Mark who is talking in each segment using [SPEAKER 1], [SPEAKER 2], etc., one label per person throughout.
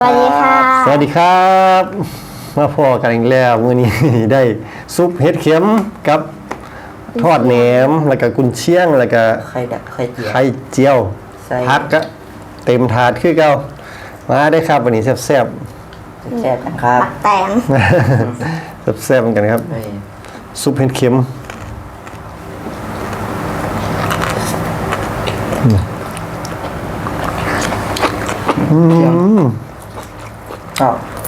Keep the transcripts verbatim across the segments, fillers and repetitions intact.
[SPEAKER 1] สวัสดีค่ะ
[SPEAKER 2] สวัสดีครับมาพอกันอีกแล้วมื้อนี้ ได้ซุปเห็ดเข็มกับทอดแหนมแล้วก็กุนเชียงแล้วก็
[SPEAKER 3] ไข่ดักไข่เจียว
[SPEAKER 2] ไข่เจียว
[SPEAKER 3] ใส่
[SPEAKER 2] ผักก็เต็มถาดคือเก่ามาได้ครับวันนี้แซ่บ
[SPEAKER 3] แซ่บกันครับ
[SPEAKER 1] ปักแตง
[SPEAKER 2] ๆ แซ่บๆเหมือนกันครับ
[SPEAKER 3] เฮ้ย
[SPEAKER 2] ซุปเห็ดเข็มอืม
[SPEAKER 3] ชอบ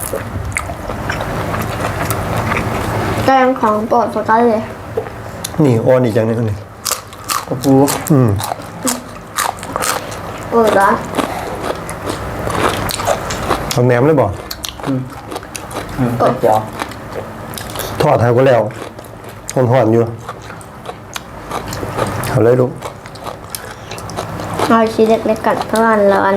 [SPEAKER 1] แตงของโปรดสกัดเลย
[SPEAKER 2] นี่อ่อนอีกอย่างหนึงอันนี้
[SPEAKER 3] กระปู
[SPEAKER 2] อืม
[SPEAKER 1] โปรดละ
[SPEAKER 2] เอาแหนมเลยบ่
[SPEAKER 3] อืมไข่เจียว
[SPEAKER 2] ทอดทาก็แล้วหอนๆอยู่เอาเลยลูก
[SPEAKER 1] เอาชิ้นเล็กๆกัดเพราะมันร้อน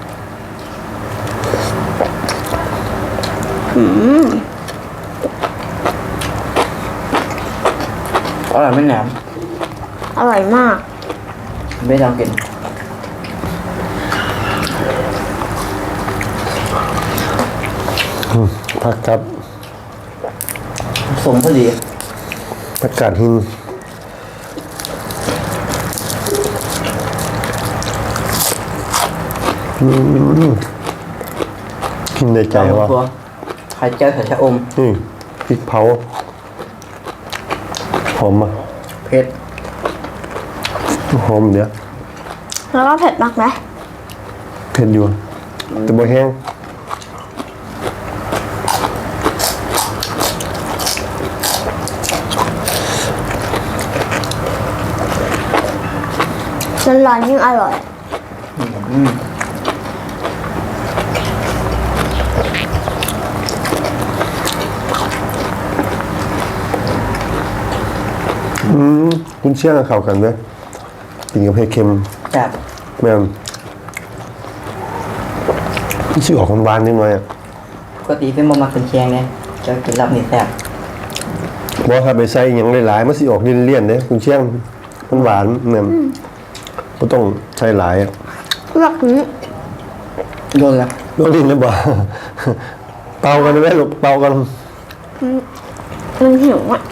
[SPEAKER 1] อืม
[SPEAKER 3] อร่อยไม่แหนม
[SPEAKER 1] อร่อยมาก
[SPEAKER 3] ไม่ลองกิน
[SPEAKER 2] ผักกับ
[SPEAKER 3] สมพอดี
[SPEAKER 2] ผักกาดหินอืมกินในใจว่า
[SPEAKER 3] ตัวไข่เจียวใส่ชะอม
[SPEAKER 2] นี่พริกเผาหอมอ่ะ
[SPEAKER 3] เผ็ด
[SPEAKER 2] หอมเดี๋ยว
[SPEAKER 1] แล้วก็เผ็ดมากไหม
[SPEAKER 2] เผ็ดอยู่แต่บ่แห้ง
[SPEAKER 1] ร้อนๆยิ่งอร่อย
[SPEAKER 3] อืม
[SPEAKER 2] อืมคุณเชี่ยงกับเข้ากันเด้อกินกับเผ็ดเค็ม
[SPEAKER 3] แซ่บ
[SPEAKER 2] แม่นชื่อออกหวานๆนิดหน่อยอ่ะ
[SPEAKER 3] ปกติเป็นบะหมี่คนเชียงเนี่ยจะกินรับนี่แซ่บ
[SPEAKER 2] บ่ถ้าไปใส่หยังหลายๆมันสิออกเลี่ยนๆเด้คุณเชี่ยงมันหวานแม่นบ่ต้องใส่หลายอ่ะ
[SPEAKER 1] เลือกนี้
[SPEAKER 3] โดนละ
[SPEAKER 2] ลวกลิ้นได้บ่ เป่ากันได้ไหมลูกเป่ากัน
[SPEAKER 1] มันหิวอ่ะ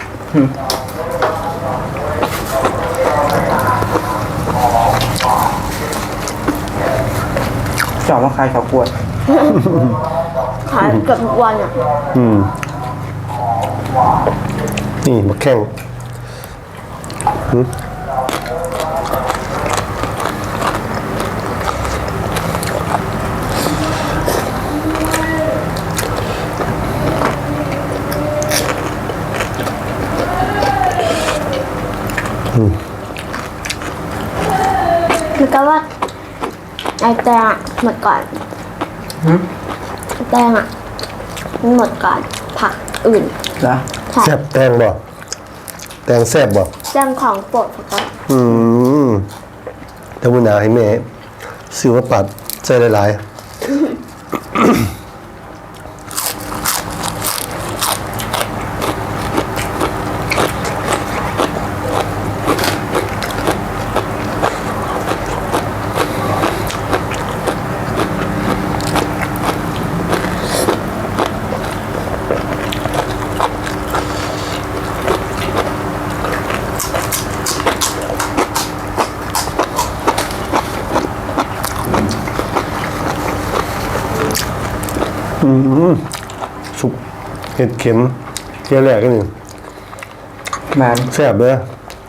[SPEAKER 3] ชอบมาขายข้าวกล้วย
[SPEAKER 1] ขายเกือบทุกวันอ่ะ
[SPEAKER 2] อืมนี่มาแข่งหึ
[SPEAKER 1] มันก็ว่าไอแตงอ่ะหมดก่อน
[SPEAKER 3] หืม
[SPEAKER 1] ไอ้แตงอ่ะมันหมดก่อนผักอื่น
[SPEAKER 3] เหรอ
[SPEAKER 1] ใช่
[SPEAKER 2] แซ่บแตงบ่แตงแซ่บบ่
[SPEAKER 1] แตงของโปรดสกัด
[SPEAKER 2] อืมถ้าบุญนาให้แม่ซื้อมาปัดใส่หลายๆอืมสุกเห็ดเข็มเที่ยวแรกกันนี่
[SPEAKER 3] มัน
[SPEAKER 2] แซ่บเด้อ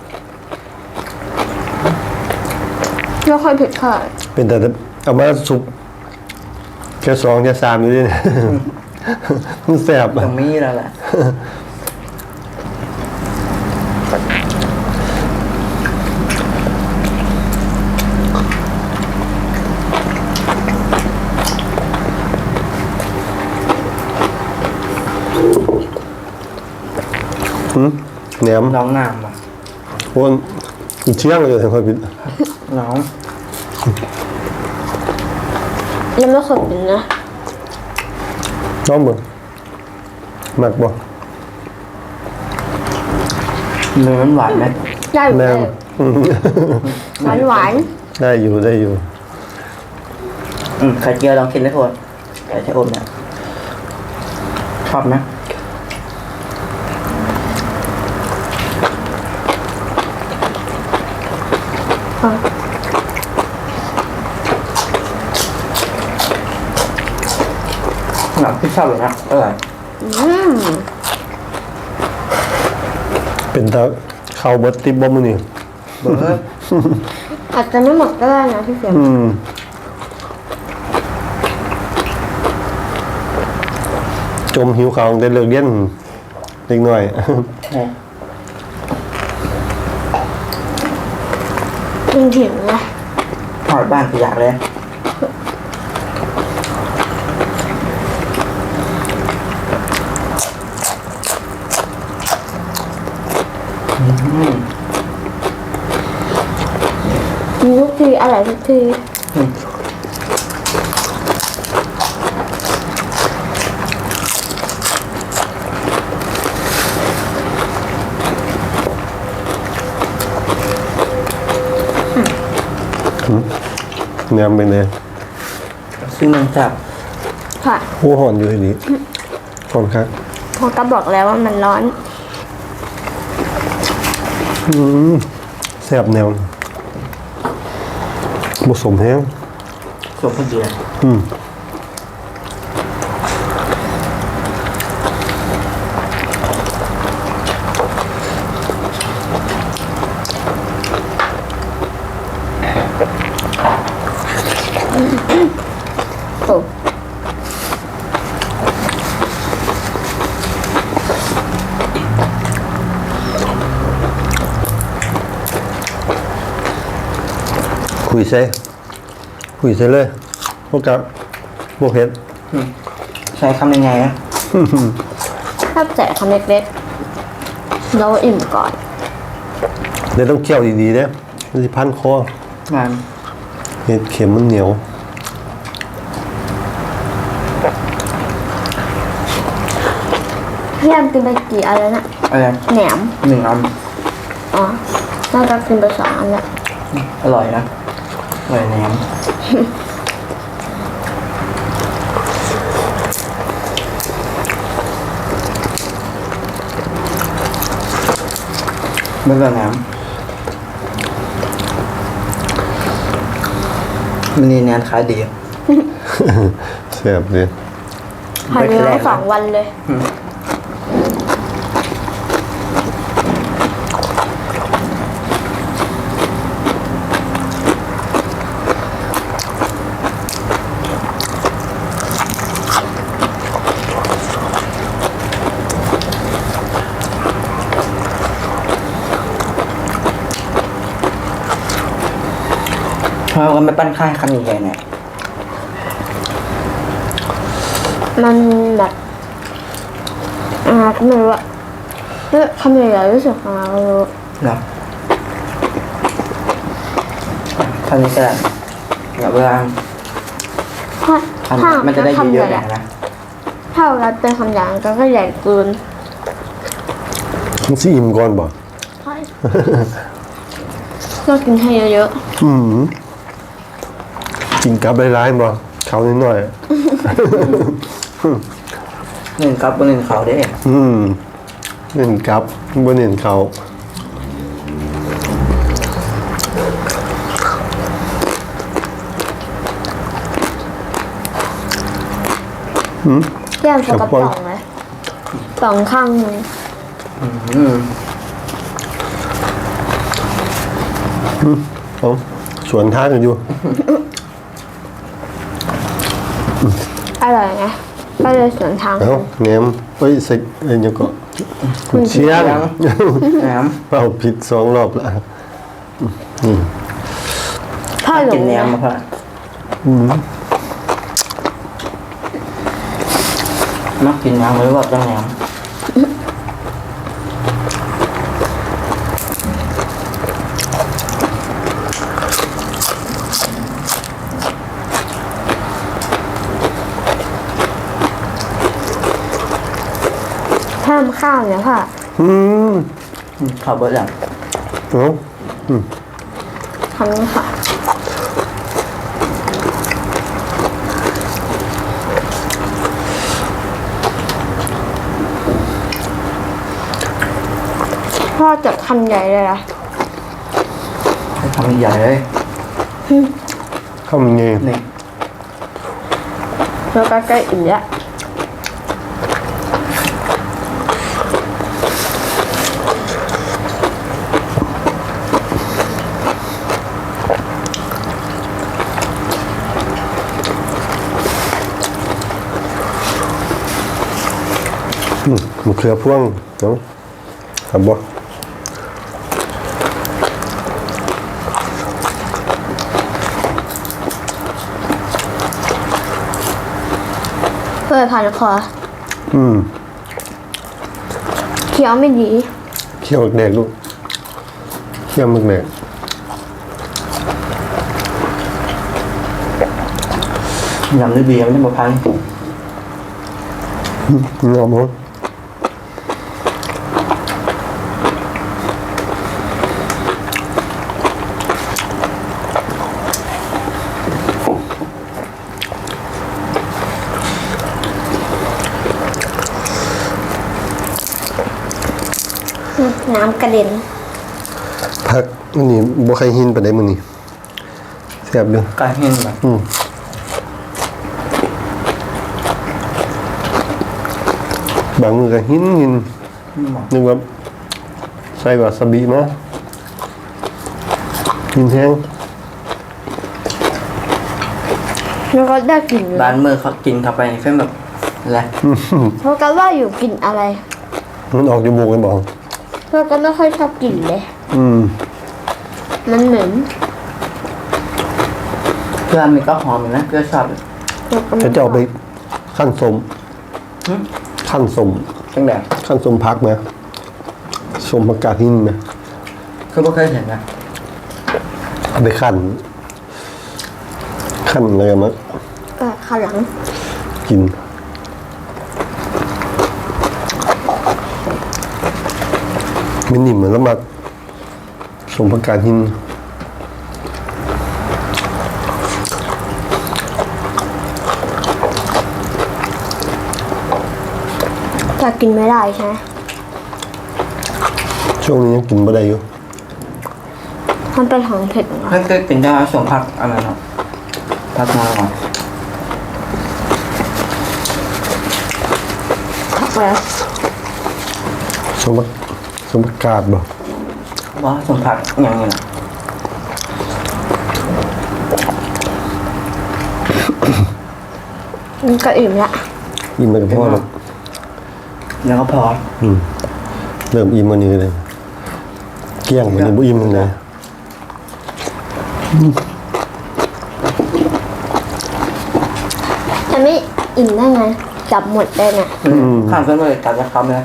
[SPEAKER 1] ไม่ค่อยเผ็ดค่ะ
[SPEAKER 2] เป็นแต่เอามาสุกแค่สองแค่สามอยู่ดิ มันแซ่บ
[SPEAKER 3] ตร
[SPEAKER 2] อะ
[SPEAKER 3] งนี้แล้วแหละ
[SPEAKER 2] แหนม
[SPEAKER 3] น้องน้ำอ่ะ
[SPEAKER 2] โอนอีกเชี่ยงเลยค่อยปิด
[SPEAKER 3] น้อง
[SPEAKER 1] ยังไม่เคยกินนะ
[SPEAKER 2] น้องเบิ่งมักบ่
[SPEAKER 3] เนื้อมันหวานไหม
[SPEAKER 1] ได้อยู่
[SPEAKER 2] แม่
[SPEAKER 1] ได้
[SPEAKER 2] น
[SPEAKER 1] อยู่
[SPEAKER 2] อืม
[SPEAKER 1] หวานหวาน
[SPEAKER 2] ได้อยู่ได้อยู่
[SPEAKER 3] อืมไข่เจียวลองกินได้โทษก่ชะอมเนี่ยชอบนะหนักที่ชอบเลยนะอร่อย
[SPEAKER 1] อืม
[SPEAKER 2] เป็นตาเข้าเบิดติบบ่มื้อนี้
[SPEAKER 3] เบิร์ด
[SPEAKER 1] อาจจะไม่หมดก็ได้นะพี่เสียม
[SPEAKER 2] อืมจมหิวข้าวตั้งแต่เลิกเรียนเล็กน้อย
[SPEAKER 1] จริงถึงนะ
[SPEAKER 3] หอดบ้านขยะเลยอืม
[SPEAKER 1] มีทุกทีอร่อยทุกที
[SPEAKER 3] อืม
[SPEAKER 2] แหนมเป็นไง
[SPEAKER 3] ซึ่งมันจับ
[SPEAKER 1] ค่ะ
[SPEAKER 2] โอ้หอนอยู่ทีนี้หอนครับ
[SPEAKER 1] พอก็บอกแล้วว่ามันร้อน
[SPEAKER 2] อืมแซ่บแนวผสมแห้ง
[SPEAKER 3] ส่วนพอดีเลย
[SPEAKER 2] อืม
[SPEAKER 1] โอ้
[SPEAKER 2] คุยใส่คุยใส่เลยพวกกับพวกเฮ็ด
[SPEAKER 3] อืมใช้คำยังไงนะ
[SPEAKER 1] ถ้าแจกคำเล็กๆเราอิ่มก่อน
[SPEAKER 2] เดี๋ยวต้องเคี่ยวดีๆเด้มันสิพันคอง
[SPEAKER 3] าน
[SPEAKER 2] เห็ดเข็มมันเหนียว
[SPEAKER 1] พี่แอมกินไปกี่อันแล้วน่ะ
[SPEAKER 3] อะไร
[SPEAKER 1] แหนม
[SPEAKER 3] หนึ่งอัน
[SPEAKER 1] อ๋อ น่าจะกินไปสองอันแล้ว
[SPEAKER 3] อร่อยนะอร่อยแหนมไม่เป็นแหนมมันนี่แนนขายดี
[SPEAKER 2] แซ่บเลย
[SPEAKER 1] ภายในวันสองวันเลย
[SPEAKER 3] เราก็ไม่ปั้นข้าวให้คำใหญ่ๆเนี่ย
[SPEAKER 1] มันแบบอ่าก็ไม่รู้อะเฮ้ยคำใหญ่ๆรู้สึกของเรารู้
[SPEAKER 3] เนาะคำนี้ก็ได้แบบเวลา
[SPEAKER 1] ถ้า
[SPEAKER 3] คำ
[SPEAKER 1] ถ้า
[SPEAKER 3] มันจะได้
[SPEAKER 1] คำ
[SPEAKER 3] เย
[SPEAKER 1] ให
[SPEAKER 3] อะ
[SPEAKER 1] ญ่
[SPEAKER 3] ๆหน่อยนะ
[SPEAKER 1] ถ้าเราเป็นคำใหญ่ก็ก็ใหญ่เกิน
[SPEAKER 2] มันสิอิ่มก่อนบ่
[SPEAKER 1] ใช่ก็กินให้เยอะ
[SPEAKER 2] อืมกินกับหลายๆบ่เขานิดหน่อย
[SPEAKER 3] หนึ่งกับบนหนึ่งเขาได้
[SPEAKER 2] อืมเน้นกับบ่เน้นเขาอืม
[SPEAKER 1] ๆพี่แอมโฟกัส
[SPEAKER 2] ครับ
[SPEAKER 1] ป่องเลยป่องข้างหนึง
[SPEAKER 3] อืม
[SPEAKER 2] เอาสวนทางกันอยู่
[SPEAKER 1] อร่อยไงก็เลยสวนทาง
[SPEAKER 2] เอ้าแหนมเอ้ยใส่เอ้ยยังก็คุณเชียง
[SPEAKER 3] แหนม
[SPEAKER 2] เอาผิดสองรอบละนี่
[SPEAKER 1] พ่อหล
[SPEAKER 3] กิ
[SPEAKER 1] ง
[SPEAKER 3] นแหนม
[SPEAKER 1] นะ
[SPEAKER 3] มาพ่อมักกินแหนมหรือว่าต้องแหนม
[SPEAKER 1] เพิ่มข้าวเนี่ยพ่อ
[SPEAKER 2] อืม
[SPEAKER 3] อืมข้าวเบิร์ดอ่ะ
[SPEAKER 2] เอ้า
[SPEAKER 1] ทำนี่ค่ะ
[SPEAKER 2] อ
[SPEAKER 1] พ่อจับคำใหญ่เลยนะ
[SPEAKER 3] ให้ทำใหญ่เลย
[SPEAKER 2] ข้าวมันไง
[SPEAKER 3] นี่
[SPEAKER 1] แล้วก็ใกล้อิ่มแล้ว
[SPEAKER 2] อืมมะเขือพวงเนาะครับบ่
[SPEAKER 1] เพื่อผ่านคอ
[SPEAKER 2] อืม
[SPEAKER 1] เคี้ยวไม่ดี
[SPEAKER 2] เคี่ยวแดกลูกเคี่ยวมึกแดก
[SPEAKER 3] ยำด้วยเบียร์ไม่ได้มาพัน
[SPEAKER 2] งอมมั้ง
[SPEAKER 1] น้ำกระเด็น
[SPEAKER 2] พักมันนี่บ่ใครหินไปได้มื้อนี้แซ่บเด้อ
[SPEAKER 3] กลายเห็นแบบ
[SPEAKER 2] อืมบางมือก็หินหินนึกว่าใส่วาซาบิมาหินแห้ง
[SPEAKER 1] แล้วก็ได้กลิ่นเลย
[SPEAKER 3] บ้านเมื่อเขากินเข้าไปเพื่อนแบบอะไร
[SPEAKER 1] เพราะกันว่าอยู่กลิ่นอะไร
[SPEAKER 2] มันออกจมูกกันบอก
[SPEAKER 1] เพราะกันไม่ค่อยชอบกลิ่นเลย
[SPEAKER 2] อืม
[SPEAKER 1] มันเหม็น
[SPEAKER 3] เพื่อนมันก็หอมอยู่นะเพื่อนชอบอยู่
[SPEAKER 2] จะจะเอาไปขั้นสม
[SPEAKER 3] หึ
[SPEAKER 2] ขั้นสม
[SPEAKER 3] จังแบบ
[SPEAKER 2] ขั้นสมพักนะสมผักกาดหินนะ
[SPEAKER 3] คือไม่เคยเห็นนะ
[SPEAKER 2] เอาไปขั้นขั้นอะไรกันมั้ง
[SPEAKER 1] เออข้างหลัง
[SPEAKER 2] กินมันนิ่มเหมือนแล้วมาสมผักกาดหิน
[SPEAKER 1] จะกินไม่ได้ใช่ไหม
[SPEAKER 2] ช่วงนี้ยังกินไม่ได้อยู่
[SPEAKER 1] มันเป็นของเผ็ดเหรอ
[SPEAKER 3] เพื่อนเคยกินได้ไหมส่วนผักอะไรเนาะผักมาก่อน
[SPEAKER 1] ผักอะไร
[SPEAKER 2] สมผักสมผักกาดบ่
[SPEAKER 3] ว่าส่วนผักอย่างเงี้ยนะ
[SPEAKER 1] มันก็อิ่มละ
[SPEAKER 2] อิ่มไปกับพ่อแล้ว
[SPEAKER 3] แล้วก็พอ
[SPEAKER 2] อืมเริ่มอิ่มวันนี้เลยเกลี้ยงวันนี้บ่อิ่มเลย
[SPEAKER 1] จะไม่อิ่มได้ไงจับหมดได้ไง
[SPEAKER 3] ข้ามเพื่อนเลยตัดจะคำเลย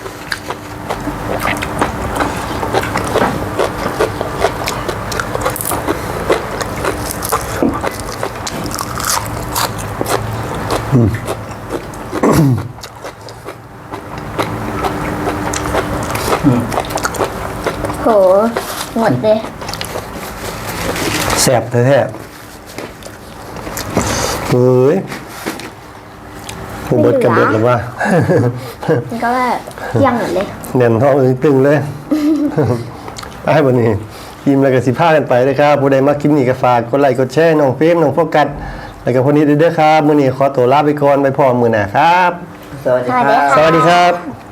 [SPEAKER 1] โหหมดเลย
[SPEAKER 2] แซ่บแท้ๆเฮ้ยผมเบิดกันเบิดแล้วว่า
[SPEAKER 1] มันก็แบบเที่ยงหมดเลย
[SPEAKER 2] แน่นท้องเลยตึงเลย ไปวันนี้ทีมแล้วก็สิพากันไปเลยครับผู้ใดมาคลิปนี้ก็ฝากกดไลค์กดแชร์น้องเฟรมน้องโฟกัสแล้วก็พวกนี้เด้อครับมื้อนี้ขอตัวลาไปก่อนไปพร้อมมื้อหน้าครับ
[SPEAKER 3] สวัสดีครับ
[SPEAKER 2] สวัสดีครับ